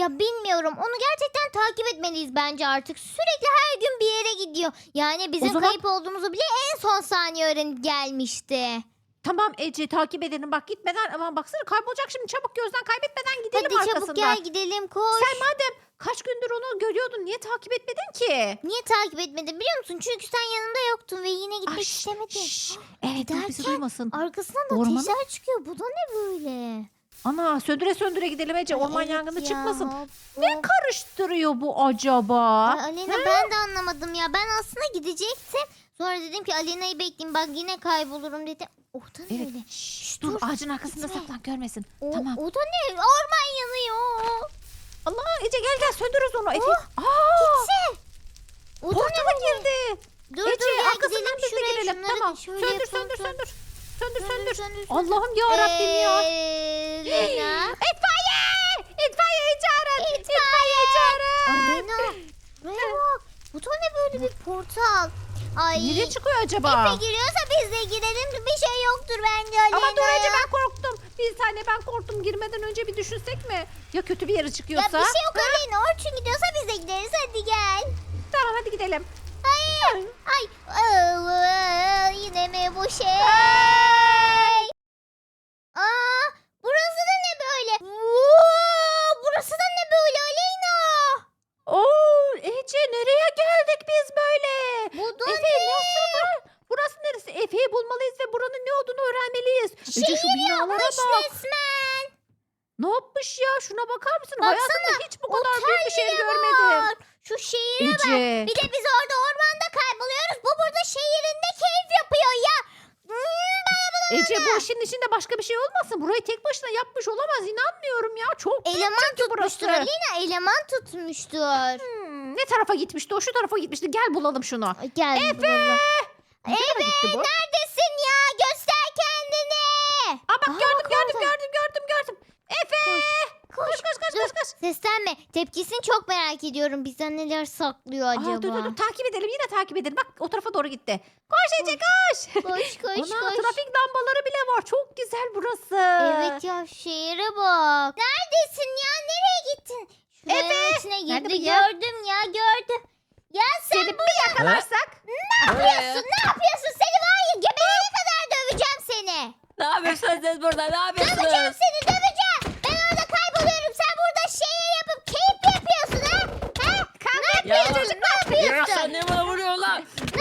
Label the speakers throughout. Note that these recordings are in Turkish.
Speaker 1: Ya bilmiyorum. Onu gerçekten takip etmeliyiz bence artık. Sürekli her gün bir yere gidiyor. Yani bizim
Speaker 2: zaman-
Speaker 1: kayıp olduğumuzu bile en son saniye öğrenip gelmişti.
Speaker 2: Tamam Ece, takip edelim. Bak gitmeden, aman baksana kaybolacak şimdi. Çabuk gözden kaybetmeden gidelim
Speaker 1: Hadi çabuk
Speaker 2: arkasından.
Speaker 1: gel gidelim koş.
Speaker 2: Sen madem kaç gündür onu görüyordun, niye takip etmedin ki?
Speaker 1: Niye takip etmedin biliyor musun? Çünkü sen yanında yoktun ve yine gitmek
Speaker 2: Ay, şş,
Speaker 1: istemedin.
Speaker 2: şş. Evet, dur, bizi
Speaker 1: Giderken
Speaker 2: duymasın.
Speaker 1: Arkasından da
Speaker 2: Ormana-
Speaker 1: ateşler çıkıyor. Bu da ne böyle?
Speaker 2: Ana, söndüre söndüre gidelim Ece. Orman
Speaker 1: Evet
Speaker 2: yangını
Speaker 1: ya,
Speaker 2: çıkmasın.
Speaker 1: hop,
Speaker 2: Ne
Speaker 1: hop.
Speaker 2: karıştırıyor bu acaba?
Speaker 1: Ay, Alena ben de anlamadım ya. Ben aslında gidecektim. Sonra dedim ki Alena'yı bekleyeyim. Bak yine kaybolurum dedim. O da ne
Speaker 2: Evet.
Speaker 1: öyle?
Speaker 2: Şş,
Speaker 1: dur,
Speaker 2: dur, ağacın arkasında
Speaker 1: gitme.
Speaker 2: saklan, görmesin.
Speaker 1: O,
Speaker 2: Tamam.
Speaker 1: o da ne? Orman yanıyor.
Speaker 2: Allah, Ece gel söndürürüz onu. Efe.
Speaker 1: Oh,
Speaker 2: Aa,
Speaker 1: Gitse. O da ne
Speaker 2: portala
Speaker 1: böyle?
Speaker 2: girdi.
Speaker 1: Dur
Speaker 2: Ece,
Speaker 1: dur ya
Speaker 2: arkasından
Speaker 1: gidelim
Speaker 2: biz de
Speaker 1: şuraya.
Speaker 2: girelim.
Speaker 1: Şunları
Speaker 2: Tamam.
Speaker 1: şöyle
Speaker 2: Söndür,
Speaker 1: yapalım.
Speaker 2: söndür, söndür. Söndür, söndür.
Speaker 1: söndür.
Speaker 2: Allah'ım ya Rabbim ya.
Speaker 1: Lena.
Speaker 2: İtfaiye! İtfaiyeyi çağırın.
Speaker 1: İtfaiye.
Speaker 2: çağırın.
Speaker 1: Alena. Buraya bak. Bu da ne böyle bir portal? Ay.
Speaker 2: Nereye çıkıyor acaba?
Speaker 1: Efe giriyorsa biz de girelim. Bir şey yoktur bence Alena.
Speaker 2: Ama dur Ece, ben korktum. Bir saniye, ben korktum. Girmeden önce bir düşünsek mi? Ya kötü bir yere
Speaker 1: Ya
Speaker 2: çıkıyorsa?
Speaker 1: bir şey yok Alena. Orçun gidiyorsa biz de gideriz. Hadi gel.
Speaker 2: Tamam, hadi gidelim.
Speaker 1: Hayır. Ay. Yine mi bu şey? Aa, burası da ne böyle? Burası da ne böyle Aleyna?
Speaker 2: Oo, Ece, nereye geldik biz böyle?
Speaker 1: Bu da
Speaker 2: Efe, nasıl bu? Burası neresi? Efe'yi bulmalıyız ve buranın ne olduğunu öğrenmeliyiz. Ece, şu
Speaker 1: Şehir
Speaker 2: binalara
Speaker 1: yapmış
Speaker 2: bak.
Speaker 1: resmen.
Speaker 2: Ne yapmış ya? Şuna bakar mısın?
Speaker 1: Baksana,
Speaker 2: Hayatımda hiç bu kadar büyük bir şehir
Speaker 1: Otel bile
Speaker 2: görmedim.
Speaker 1: var. Şu şehire bak.
Speaker 2: Ece.
Speaker 1: Bir de biz orada ormanda kayboluyoruz. Bu burada şehirinde keyif yapıyor ya.
Speaker 2: Ece, bu işin içinde başka bir şey olmasın? Burayı tek başına yapmış olamaz. İnanmıyorum ya. Çok büyük
Speaker 1: Eleman
Speaker 2: çünkü
Speaker 1: tutmuştur
Speaker 2: burası.
Speaker 1: Aleyna. Eleman tutmuştur.
Speaker 2: Ne tarafa gitmişti? O şu tarafa gitmişti. Gel bulalım şunu.
Speaker 1: Ay, gel.
Speaker 2: Efe!
Speaker 1: bulalım.
Speaker 2: Ne tarafa gitti bu?
Speaker 1: Neredesin ya? Göster kendini.
Speaker 2: Aa, bak,
Speaker 1: Aa,
Speaker 2: gördüm
Speaker 1: bak orada.
Speaker 2: gördüm. Efe!
Speaker 1: Koş.
Speaker 2: Koş.
Speaker 1: Seslenme. Tepkisini çok merak ediyorum. Bizden neler saklıyor acaba?
Speaker 2: Aa, dur, takip edelim, yine takip edelim. Bak, o tarafa doğru gitti. Koş Ece, koş.
Speaker 1: Koş.
Speaker 2: Ana, trafik lambaları bile var. Çok güzel burası.
Speaker 1: Evet ya şehire bak. Neredesin ya? Nereye gittin? Şuranın
Speaker 2: Efe,
Speaker 1: içine
Speaker 2: nerede
Speaker 1: girdi.
Speaker 2: bu ya?
Speaker 1: Gördüm ya gördüm. Ya sen
Speaker 2: Seni bir yakalarsak.
Speaker 1: ne yapıyorsun? Seni var ya geberene kadar döveceğim seni.
Speaker 3: Ne yapıyorsunuz siz burada? Ne
Speaker 1: Döveceğim
Speaker 3: yapıyorsunuz?
Speaker 1: seni döveceğim. Ben orada kayboluyorum. Sen burada şehir yapıp keyif yapıyorsun ha? Ne
Speaker 3: Ya,
Speaker 1: yapıyorsun? Ne
Speaker 3: ya
Speaker 1: yapıyorsun?
Speaker 3: sen niye bana vuruyorsun lan?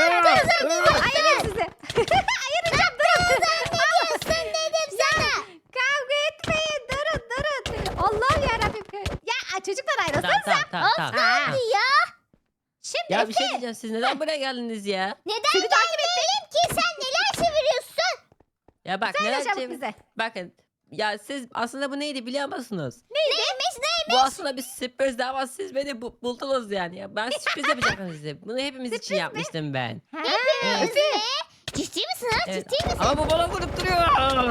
Speaker 2: Ayırın sizi. Ayıracağım, durun.
Speaker 1: Ne diyorsun dedim sana.
Speaker 2: Kavga etmeyin, durun. Allah yarabbim. Ya çocuklar, ayrılsanıza.
Speaker 3: Tamam.
Speaker 1: Hadi ya.
Speaker 2: Şimdi
Speaker 3: Ya bir
Speaker 2: Efe,
Speaker 3: şey diyeceğim. Siz neden buraya geldiniz ya?
Speaker 1: Neden
Speaker 2: Seni takip
Speaker 1: gelmeyelim ki? Sen neler çeviriyorsun?
Speaker 3: Ya bak
Speaker 2: söyle
Speaker 3: neler
Speaker 2: çabuk
Speaker 3: çevir-
Speaker 2: bize.
Speaker 3: Bakın. Ya siz aslında bu neydi biliyor musunuz?
Speaker 1: Neymiş?
Speaker 3: Bu aslında bir sürprizdi ama siz beni buldunuz yani. Ya ben sürpriz yapacaktım size. Bunu hepimiz için yapmıştım ben.
Speaker 2: Ha,
Speaker 3: Evet.
Speaker 1: Ne? Ciddi misin ha?
Speaker 3: Evet.
Speaker 1: Ciddi misin?
Speaker 3: Ama bu bana vurup duruyor.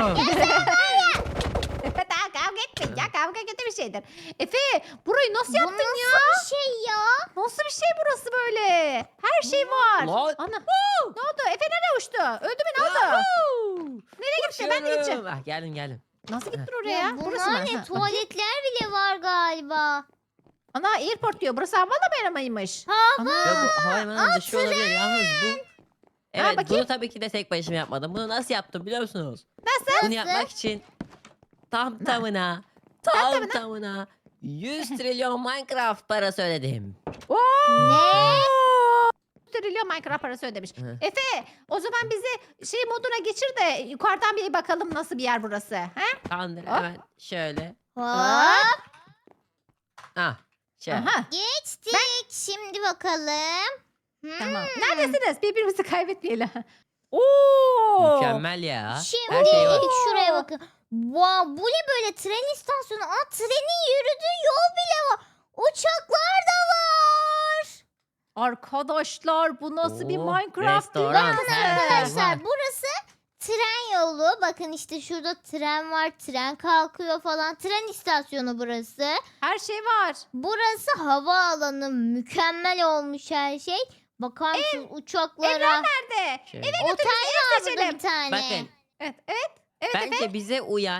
Speaker 2: Efe, daha kavga etmeyin ya. Kavga kötü bir şeydir. Efe, burayı nasıl
Speaker 1: Bu
Speaker 2: yaptın
Speaker 1: nasıl
Speaker 2: ya?
Speaker 1: bir şey ya?
Speaker 2: Nasıl bir şey burası böyle? Her şey var.
Speaker 3: Lan.
Speaker 2: Ana. Ne oldu? Efe nereye uçtu? Öldü mü, ne oldu? Nereye gitti? Ben de gideceğim.
Speaker 3: Ah, geldim.
Speaker 2: Nasıl gittin
Speaker 1: Ya
Speaker 2: oraya? Burası mı?
Speaker 1: bunlar ne?
Speaker 2: Ha,
Speaker 1: Tuvaletler bile var galiba.
Speaker 2: Ana, airport diyor. Burası havalimanıymış.
Speaker 1: Hava.
Speaker 3: Ya
Speaker 2: Ana.
Speaker 3: bu havalimanı dışı olabilir. Yalnız bu... Evet
Speaker 2: bakayım.
Speaker 3: bunu tabii ki de tek başıma yapmadım. Bunu nasıl yaptım biliyor musunuz?
Speaker 2: Nasıl?
Speaker 3: Bunu yapmak için tam tamına
Speaker 2: tamına.
Speaker 3: 100 trilyon Minecraft parası ödedim.
Speaker 2: Oo!
Speaker 1: Ne?
Speaker 2: Trilyon Minecraft parası ödemiş.
Speaker 3: Hı.
Speaker 2: Efe, o zaman bizi şey moduna geçir de yukarıdan bir bakalım nasıl bir yer burası. Ha?
Speaker 3: Tamamdır
Speaker 2: Hop.
Speaker 3: hemen şöyle.
Speaker 1: Hop.
Speaker 3: Ah şöyle.
Speaker 2: Aha.
Speaker 1: Geçtik. Şimdi bakalım.
Speaker 2: Tamam. Neredesiniz? Birbirimizi kaybetmeyelim. Oo!
Speaker 3: Mükemmel ya.
Speaker 1: Şimdi
Speaker 3: Her şey var.
Speaker 1: ilk şuraya bakın. Wow, bu ne böyle tren istasyonu? Aa, trenin yürüdüğü yol bile var. Uçaklar da var.
Speaker 2: Arkadaşlar, bu nasıl bir
Speaker 3: Oo,
Speaker 2: Minecraft
Speaker 3: restoran,
Speaker 2: dünyası?
Speaker 3: her şey
Speaker 1: Arkadaşlar
Speaker 3: var.
Speaker 1: burası tren yolu. Bakın işte şurada tren var. Tren kalkıyor falan. Tren istasyonu burası.
Speaker 2: Her şey var.
Speaker 1: Burası havaalanı. Mükemmel olmuş her şey. Bakar mısınız uçaklara?
Speaker 2: Nerede?
Speaker 3: Şöyle.
Speaker 1: Otel var burada
Speaker 2: seçelim.
Speaker 1: bir tane.
Speaker 3: Bakın
Speaker 2: Evet. Evet Efe.
Speaker 3: bence bize uyan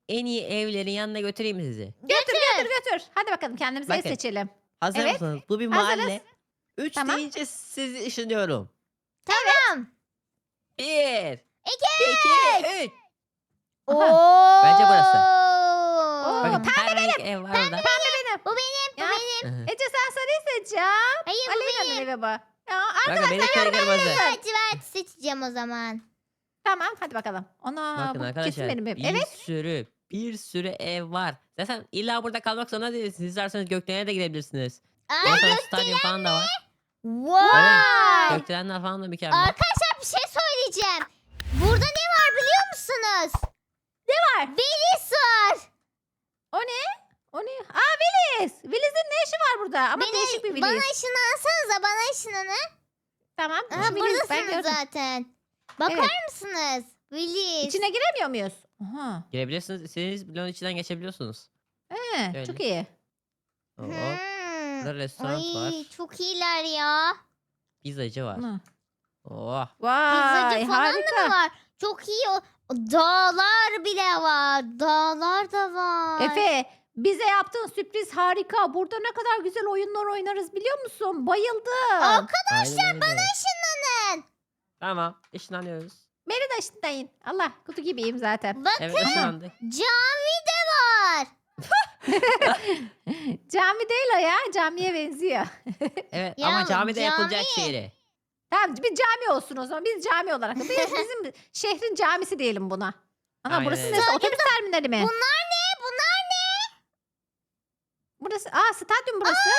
Speaker 3: en iyi evlerin yanına götüreyim sizi.
Speaker 2: Götür. Hadi bakalım kendimize ev
Speaker 3: Bakın.
Speaker 2: seçelim.
Speaker 3: Hazır
Speaker 2: Evet,
Speaker 3: mısınız? Bu bir
Speaker 2: hazırız.
Speaker 3: mahalle. 3
Speaker 2: Tamam.
Speaker 3: deyince sizi ışınlıyorum.
Speaker 1: Tamam.
Speaker 3: 1,
Speaker 1: 2.
Speaker 3: 2, 3.
Speaker 1: Oo.
Speaker 3: Bence burası.
Speaker 2: Oo,
Speaker 3: Bakın
Speaker 2: pembe
Speaker 3: her renk ev var orada.
Speaker 2: benim.
Speaker 1: Bu benim.
Speaker 2: Ya, Ece sen sarıyı seç ya.
Speaker 1: Hayır bu
Speaker 2: Aleyna'nın
Speaker 1: benim.
Speaker 2: evi bu. Ya,
Speaker 3: Bakın benimki kırmızı.
Speaker 1: Lacivert seçeceğim o zaman.
Speaker 2: tamam hadi bakalım. Ona
Speaker 3: Bakın
Speaker 2: bu kesin
Speaker 3: arkadaşlar
Speaker 2: benim evim.
Speaker 3: bir
Speaker 2: Evet.
Speaker 3: sürü ev var. Zaten illa burada kalmak zorunda değilsiniz. Siz isterseniz gökdelene de gidebilirsiniz.
Speaker 1: Ay
Speaker 3: Ondan sonra stadyum falan da var.
Speaker 1: vay.
Speaker 3: Gökdelenler falan da mükemmel.
Speaker 1: Arkadaşlar bir şey söyleyeceğim. Burada ne var biliyor musunuz?
Speaker 2: Ne var?
Speaker 1: Velis var.
Speaker 2: O ne? O ne? Aa Willis. Willis'in ne işi var burada? Ama değişik bir
Speaker 1: Bana
Speaker 2: Willis.
Speaker 1: ışınlansanıza bana ışınlanın.
Speaker 2: Tamam.
Speaker 1: Aha,
Speaker 2: şu Willis ben
Speaker 1: buradasınız
Speaker 2: gördüm.
Speaker 1: zaten. Bakar
Speaker 2: Evet.
Speaker 1: mısınız? Willis.
Speaker 2: İçine giremiyor muyuz? Aha.
Speaker 3: Girebilirsiniz. İstediğiniz bloğun içinden geçebiliyorsunuz.
Speaker 2: He, çok iyi.
Speaker 3: Hop.
Speaker 1: Hmm.
Speaker 3: Burada restoran
Speaker 1: Ay
Speaker 3: var.
Speaker 1: çok iyiler ya.
Speaker 3: Pizzacı var.
Speaker 2: Ana.
Speaker 3: Oh.
Speaker 2: Vay
Speaker 1: Pizzacı falan da mı
Speaker 2: harika.
Speaker 1: var? Çok iyi. Dağlar bile var. Dağlar da var.
Speaker 2: Efe bize yaptığın sürpriz harika. Burada ne kadar güzel oyunlar oynarız biliyor musun? Bayıldım.
Speaker 3: Arkadaşlar
Speaker 1: bana ışınlanın.
Speaker 3: Tamam. Işınlanıyoruz.
Speaker 2: Beni de ışınlayın. Allah kutu gibiyim zaten.
Speaker 1: Bakın
Speaker 3: Evet ışınlandık.
Speaker 1: cami de var.
Speaker 2: Cami değil o ya. Camiye benziyor.
Speaker 3: Evet
Speaker 1: Ya,
Speaker 3: ama camide yapılacak
Speaker 1: cami.
Speaker 3: şeyleri.
Speaker 2: Tamam bir cami olsun o zaman. Biz cami olarak. Bizim şehrin camisi diyelim buna. Ana
Speaker 3: Aynen
Speaker 2: burası
Speaker 3: öyle.
Speaker 2: neresi? Otobüs terminali mi?
Speaker 1: Bunlar ne? Bunlar ne?
Speaker 2: Burası. Aa stadyum burası.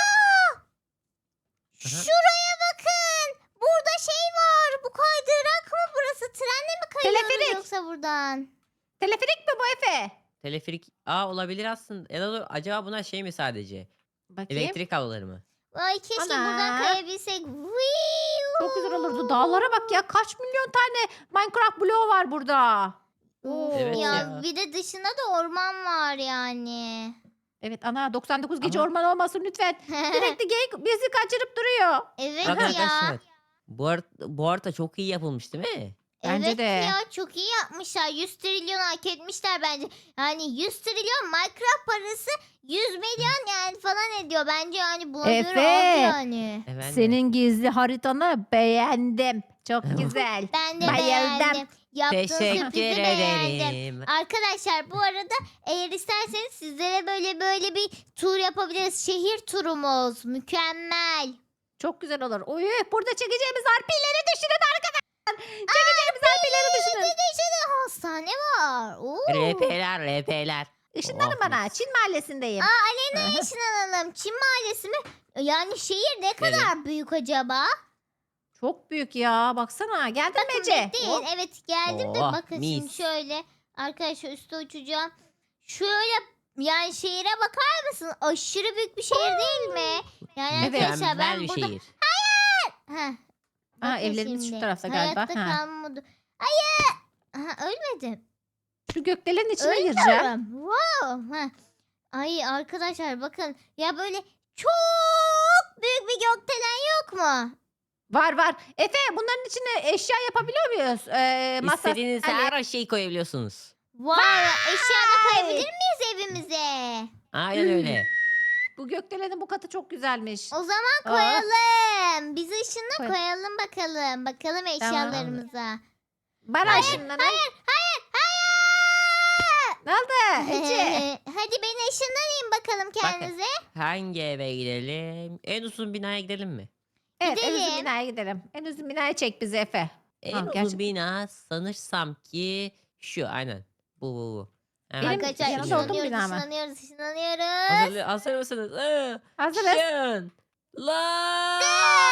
Speaker 1: Şuraya bakın. Burada şey var. Bu kaydırak mı burası? Trenle mi kayıyoruz
Speaker 2: Teleferik.
Speaker 1: yoksa buradan?
Speaker 2: Teleferik mi bu Efe?
Speaker 3: Teleferik olabilir aslında. Ya da acaba bunlar şey mi sadece?
Speaker 2: Bakayım.
Speaker 3: Elektrik kabloları mı?
Speaker 1: Ay keşke
Speaker 2: Ana.
Speaker 1: buradan kayabilsek.
Speaker 2: Çok güzel olurdu. Dağlara bak ya. Kaç milyon tane Minecraft bloğu var burada.
Speaker 1: Of
Speaker 3: Evet
Speaker 1: ya,
Speaker 3: ya.
Speaker 1: bir de dışında da orman var yani.
Speaker 2: Evet ana 99 gece
Speaker 3: Ama-
Speaker 2: orman olmasın lütfen. Sürekli geyik bizi kaçırıp duruyor.
Speaker 1: Evet
Speaker 3: Bakın
Speaker 1: ya.
Speaker 3: arkadaşlar. Bu harita çok iyi yapılmış değil mi?
Speaker 2: Bence
Speaker 1: Evet
Speaker 2: de.
Speaker 1: ya çok iyi yapmışlar. 100 trilyon hak etmişler bence. Yani 100 trilyon Minecraft parası 100 milyon yani falan ediyor. Bence yani buna
Speaker 2: Efe.
Speaker 1: göre az yani.
Speaker 3: Efendim?
Speaker 2: Senin gizli haritanı beğendim. Çok güzel.
Speaker 1: Ben de
Speaker 2: Bayıldım.
Speaker 1: beğendim. Yaptığın
Speaker 3: Teşekkür
Speaker 1: sürprizi beğendim.
Speaker 3: ederim.
Speaker 1: Arkadaşlar bu arada eğer isterseniz sizlere böyle bir tur yapabiliriz. Şehir turumuz. Mükemmel.
Speaker 2: Çok güzel olur. Oy, burada çekeceğimiz harpileri düşünün arkadaşlar. Çekeceğimiz harpileri düşünün.
Speaker 1: Bir de şurada hastane var. Oo.
Speaker 3: RP'ler.
Speaker 2: Işınlanın
Speaker 3: Oh,
Speaker 2: bana.
Speaker 3: mis.
Speaker 2: Çin mahallesindeyim.
Speaker 1: Alena'ya ışınlanalım. Çin mahallesi mi? Yani şehir ne kadar büyük acaba?
Speaker 2: Çok büyük ya. Baksana. Geldin mi
Speaker 1: Bakın
Speaker 2: Ece?
Speaker 1: bekleyin.
Speaker 2: Hop.
Speaker 1: Evet geldim de
Speaker 3: Oh,
Speaker 1: bakın şimdi
Speaker 3: mis.
Speaker 1: şöyle. Arkadaşlar üstte uçacağım. Şöyle yani şehire bakar mısın? Aşırı büyük bir şehir değil mi? Yani
Speaker 2: Evet.
Speaker 1: arkadaşlar
Speaker 3: Mükemmel
Speaker 1: ben
Speaker 3: bir
Speaker 1: burada...
Speaker 3: şehir.
Speaker 1: Heh,
Speaker 2: Aa,
Speaker 1: bakın
Speaker 2: evlerimiz şu
Speaker 1: şimdi.
Speaker 2: tarafta galiba.
Speaker 1: Hayatta
Speaker 2: Ha.
Speaker 1: kalmadı. Hayır. Aha, ölmedim.
Speaker 2: Şu gökdelenin içine gireceğim.
Speaker 1: Ölmüyorum. Wow. Heh. Ay arkadaşlar bakın. Ya böyle çok büyük bir gökdelen yok mu?
Speaker 2: Var. Efe bunların içine eşya yapabiliyor muyuz? Masa,
Speaker 3: İstediğiniz
Speaker 2: sandalye.
Speaker 3: her şeyi koyabiliyorsunuz.
Speaker 1: Vay. Eşya da koyabilir miyiz evimize?
Speaker 3: Aynen öyle.
Speaker 2: Bu gökdelenin bu katı çok güzelmiş.
Speaker 1: O zaman
Speaker 2: Aa.
Speaker 1: koyalım. Biz ışınla
Speaker 2: Koy.
Speaker 1: koyalım bakalım. Bakalım eşyalarımıza.
Speaker 2: Bana
Speaker 3: Hayır.
Speaker 2: ışınlanın.
Speaker 1: Hayır.
Speaker 2: Ne oldu Ece?
Speaker 1: Hadi beni ışınlanayım bakalım kendinize.
Speaker 3: Hangi eve gidelim? En uzun binaya gidelim mi?
Speaker 2: Evet en uzun
Speaker 1: Gidelim.
Speaker 2: binaya gidelim. En uzun binaya çek bizi Efe.
Speaker 3: En
Speaker 2: Ha,
Speaker 3: uzun
Speaker 2: gerçekten.
Speaker 3: bina sanırsam ki şu aynen. Bu. Hemen
Speaker 2: Benim
Speaker 1: Arkadaşlar
Speaker 2: yanında
Speaker 3: ışınlıyorum.
Speaker 2: olduğum bina mı?
Speaker 1: ışınlanıyoruz.
Speaker 3: Hazır mısınız?
Speaker 2: Hazırız.
Speaker 3: Şın. La.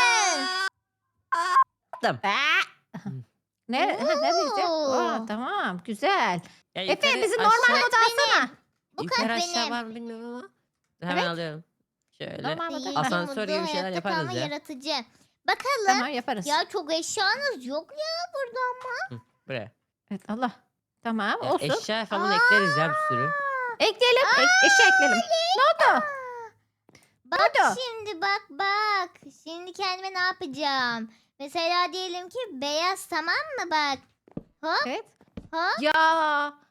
Speaker 3: Attım.
Speaker 2: Nereye gideceğim?
Speaker 1: Oo.
Speaker 2: Aa, tamam güzel.
Speaker 3: Ya
Speaker 2: Efe
Speaker 3: yukarı,
Speaker 2: bizi
Speaker 3: aşağı-
Speaker 2: normal moda alsana.
Speaker 1: Bu
Speaker 3: Yukarı
Speaker 1: kat
Speaker 3: aşağı
Speaker 1: benim.
Speaker 3: var mı bilmiyorum ama. Hemen
Speaker 2: Evet.
Speaker 3: alıyorum. Şöyle.
Speaker 2: Normal moda.
Speaker 1: Yeni
Speaker 3: Asansör
Speaker 1: mutlu
Speaker 3: gibi bir şeyler
Speaker 1: hayatta
Speaker 3: yaparız
Speaker 1: kalma
Speaker 3: ya.
Speaker 1: yaratıcı. Bakalım.
Speaker 2: Tamam yaparız.
Speaker 1: Ya çok eşyanız yok ya burada ama.
Speaker 3: Buraya.
Speaker 2: Evet Allah. Tamam
Speaker 3: Ya
Speaker 2: olsun.
Speaker 3: eşya falan ekleriz ya bir sürü.
Speaker 2: Ekleyelim. Eşya ekleyelim. Ne oldu?
Speaker 1: Bak
Speaker 2: Nerede?
Speaker 1: şimdi bak. Şimdi kendime ne yapacağım? Mesela diyelim ki beyaz tamam mı bak. Hop
Speaker 2: Evet.
Speaker 1: hop.
Speaker 2: Ya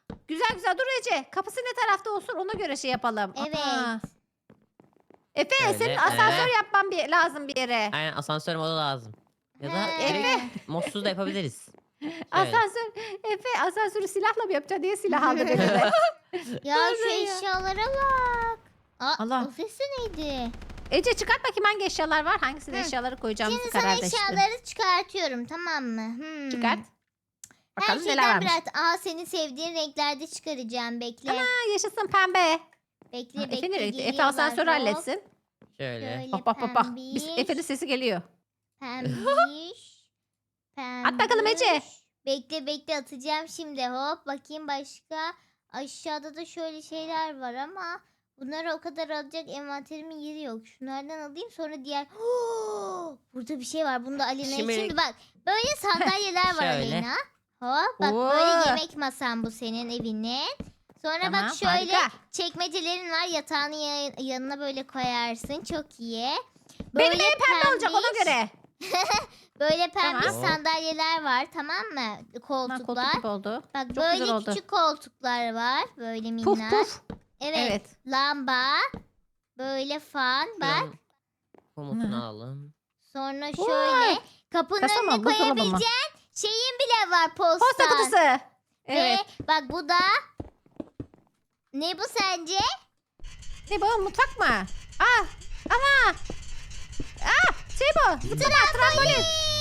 Speaker 2: Güzel güzel dur Ece. Kapısı ne tarafta olsun ona göre şey yapalım.
Speaker 1: Evet.
Speaker 2: Aha. Efe
Speaker 3: Şöyle,
Speaker 2: senin asansör
Speaker 3: evet.
Speaker 2: yapman lazım bir yere.
Speaker 3: Aynen asansör modu lazım. Ya da
Speaker 1: He.
Speaker 3: direkt modsuz da yapabiliriz. Şöyle.
Speaker 2: Asansör. Efe asansörü silahla mı yapacaksın diye silah aldın eline.
Speaker 1: Ya şu eşyalara bak. Aa,
Speaker 2: Allah.
Speaker 1: o sesi neydi?
Speaker 2: Ece çıkart bakayım hangi eşyalar var. Hangisine
Speaker 1: Hı.
Speaker 2: eşyaları koyacağımızı
Speaker 1: Şimdi sana
Speaker 2: karar verelim.
Speaker 1: eşyaları çıkartıyorum, tamam mı?
Speaker 2: Çıkart.
Speaker 1: Her
Speaker 2: Bakalım neler
Speaker 1: şeyden
Speaker 2: varmış.
Speaker 1: biraz. Senin sevdiğin renklerde çıkaracağım. Bekle.
Speaker 2: Ha, yaşasın pembe.
Speaker 1: Bekle
Speaker 2: Efe
Speaker 1: bekle.
Speaker 2: nereye gitti? Efe
Speaker 1: geliyorlar.
Speaker 2: asansörü
Speaker 1: Hop.
Speaker 2: halletsin.
Speaker 3: Şöyle.
Speaker 1: Şöyle
Speaker 2: Bak bak bak bak.
Speaker 1: pembiş,
Speaker 2: Efe'nin sesi geliyor.
Speaker 1: Pembiş.
Speaker 2: At bakalım Ece.
Speaker 1: pembiş. Bekle atacağım şimdi. Hop bakayım başka. Aşağıda da şöyle şeyler var ama bunları o kadar alacak envanterimin yeri yok. Şunlardan alayım sonra diğer. Burada bir şey var. Bunda Alina.
Speaker 3: Şimdi-
Speaker 1: Şimdi bak böyle sandalyeler var
Speaker 3: Şöyle.
Speaker 1: Alina. Hop bak
Speaker 2: Oo.
Speaker 1: böyle yemek masan bu senin evinin. Sonra
Speaker 2: Tamam
Speaker 1: bak şöyle
Speaker 2: harika.
Speaker 1: çekmecelerin var. Yatağının yanına böyle koyarsın. Çok iyi.
Speaker 2: Benim evim pembe olacak ona
Speaker 1: pembiş-
Speaker 2: göre.
Speaker 1: Böyle pembe
Speaker 3: Tamam.
Speaker 1: sandalyeler var, tamam mı?
Speaker 2: Ha,
Speaker 1: Koltuklar.
Speaker 2: koltuk gibi oldu.
Speaker 1: Bak
Speaker 2: Çok
Speaker 1: böyle
Speaker 2: güzel oldu.
Speaker 1: küçük koltuklar var. Böyle minnak.
Speaker 2: Puf puf.
Speaker 1: Evet.
Speaker 2: Evet.
Speaker 1: Lamba. Böyle fan. Bak.
Speaker 3: Şuranın komutunu alalım.
Speaker 1: Sonra
Speaker 2: Vay.
Speaker 1: şöyle kapının
Speaker 2: Kasa mı,
Speaker 1: önüne
Speaker 2: buzdolabı mı?
Speaker 1: koyabileceğin şeyin bile var, posta.
Speaker 2: Posta kutusu. Evet.
Speaker 1: Ve bak bu da ne bu sence?
Speaker 2: Ne bu mutfak mı? Aa, ama. Aa, şey bu. Zıplama trambolin.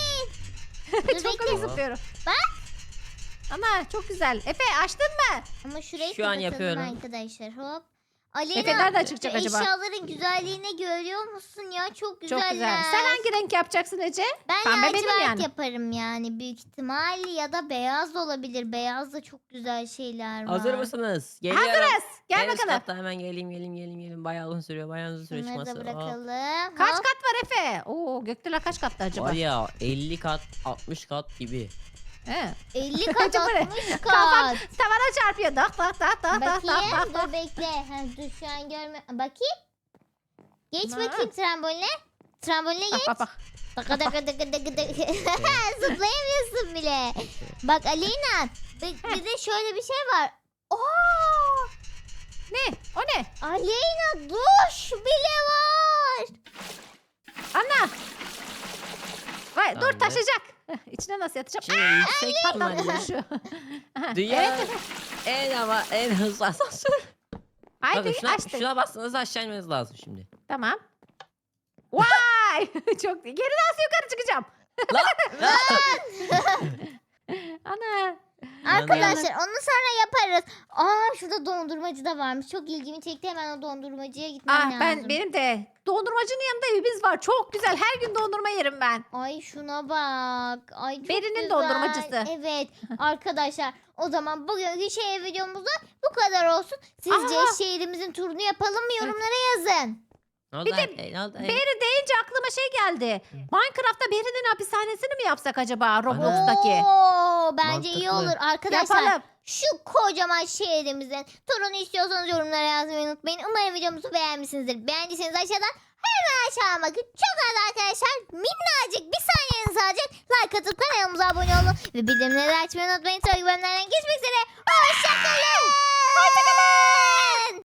Speaker 1: Dur
Speaker 2: Çok
Speaker 1: bekle.
Speaker 2: hızlı zıplıyorum.
Speaker 1: Bak.
Speaker 2: Ana çok güzel. Efe açtın mı?
Speaker 1: Ama şurayı
Speaker 3: Şu an
Speaker 1: kapatalım
Speaker 3: yapıyorum.
Speaker 1: arkadaşlar. Hop. Aleyna,
Speaker 2: Efe nereden
Speaker 1: şu
Speaker 2: çıkacak acaba?
Speaker 1: eşyaların güzelliğini görüyor musun ya? Çok güzeller.
Speaker 2: Çok güzel. Sen hangi renk yapacaksın Ece?
Speaker 1: Ben
Speaker 2: Pembe benim
Speaker 1: lacivert
Speaker 2: yani.
Speaker 1: yaparım yani büyük ihtimal ya da beyaz da olabilir. Beyaz da çok güzel şeyler var.
Speaker 3: Hazır mısınız? Geliyorum.
Speaker 2: Hazırız. Gel
Speaker 3: En üst
Speaker 2: bakalım.
Speaker 3: katta hemen geleyim. Bayağı uzun sürüyor.
Speaker 1: Bunları
Speaker 3: çıkması.
Speaker 1: da
Speaker 3: Hop.
Speaker 1: bırakalım.
Speaker 2: Kaç
Speaker 1: Hop.
Speaker 2: kat var Efe? Oo gökdeler kaç katta acaba?
Speaker 3: Var ya 50 kat 60 kat gibi.
Speaker 2: He.
Speaker 1: 50 kat
Speaker 2: Acaba ne?
Speaker 1: 60
Speaker 2: Kafam
Speaker 1: kat.
Speaker 2: tavana çarpıyor. Dak dak dak dak dak
Speaker 1: Bakayım
Speaker 2: dak dak.
Speaker 1: dur bekle. Ha, dur şu an görme. Bakayım. Geç
Speaker 2: Ha.
Speaker 1: bakayım tramboline. Tramboline geç.
Speaker 2: Bak bak bak.
Speaker 1: Daka daka daka daka daka. Zıplayamıyorsun bile. Bak Aleyna. Bir de şöyle bir şey var. Oo!
Speaker 2: Ne? O ne?
Speaker 1: Aleyna duş bile var.
Speaker 2: Anna. Vay dur
Speaker 3: Tamamdır.
Speaker 2: taşacak. İçine nasıl yatacağım?
Speaker 3: Şimdi yüksek ihtimalle
Speaker 2: Şu. Aha,
Speaker 3: dünya
Speaker 2: evet.
Speaker 3: en hızlı asansör.
Speaker 2: Haydi
Speaker 3: Bakın
Speaker 2: açtık.
Speaker 3: şuna bastığınız aşağı inmeniz lazım şimdi.
Speaker 2: Tamam. Vay! Çok geri nasıl yukarı çıkacağım? Ana.
Speaker 1: Arkadaşlar onu sonra yaparız. Aa şurada dondurmacı da varmış. Çok ilgimi çekti. Hemen o dondurmacıya gitmem
Speaker 2: Ah
Speaker 1: lazım.
Speaker 2: benim de dondurmacının yanında evimiz var. Çok güzel. Her gün dondurma yerim ben.
Speaker 1: Ay şuna bak. Ay çok
Speaker 2: Beri'nin
Speaker 1: güzel.
Speaker 2: dondurmacısı.
Speaker 1: Evet arkadaşlar o zaman bugünkü şey videomuzda bu kadar olsun. Sizce
Speaker 2: Aa!
Speaker 1: şehrimizin turunu yapalım mı? Yorumlara yazın.
Speaker 3: Ne oldu?
Speaker 2: Bir de
Speaker 3: Ne oldu?
Speaker 2: Beri deyince aklıma şey geldi. Minecraft'ta Beri'nin hapishanesini mi yapsak acaba Roblox'taki?
Speaker 1: Oo, bence iyi
Speaker 3: Mantıklı.
Speaker 1: olur. Arkadaşlar
Speaker 2: Yapalım.
Speaker 1: şu kocaman şehrimizin turunu istiyorsanız yorumlara yazmayı unutmayın. Umarım videomuzu beğenmişsinizdir. Beğendiyseniz aşağıdan hemen aşağı bakın. Çok az arkadaşlar minnacık bir saniyenizi alacak. Like atıp kanalımıza abone olun. Ve bildirimleri açmayı unutmayın. Sonraki bölümlerden geçmek üzere. Hoşçakalın. Hoşçakalın.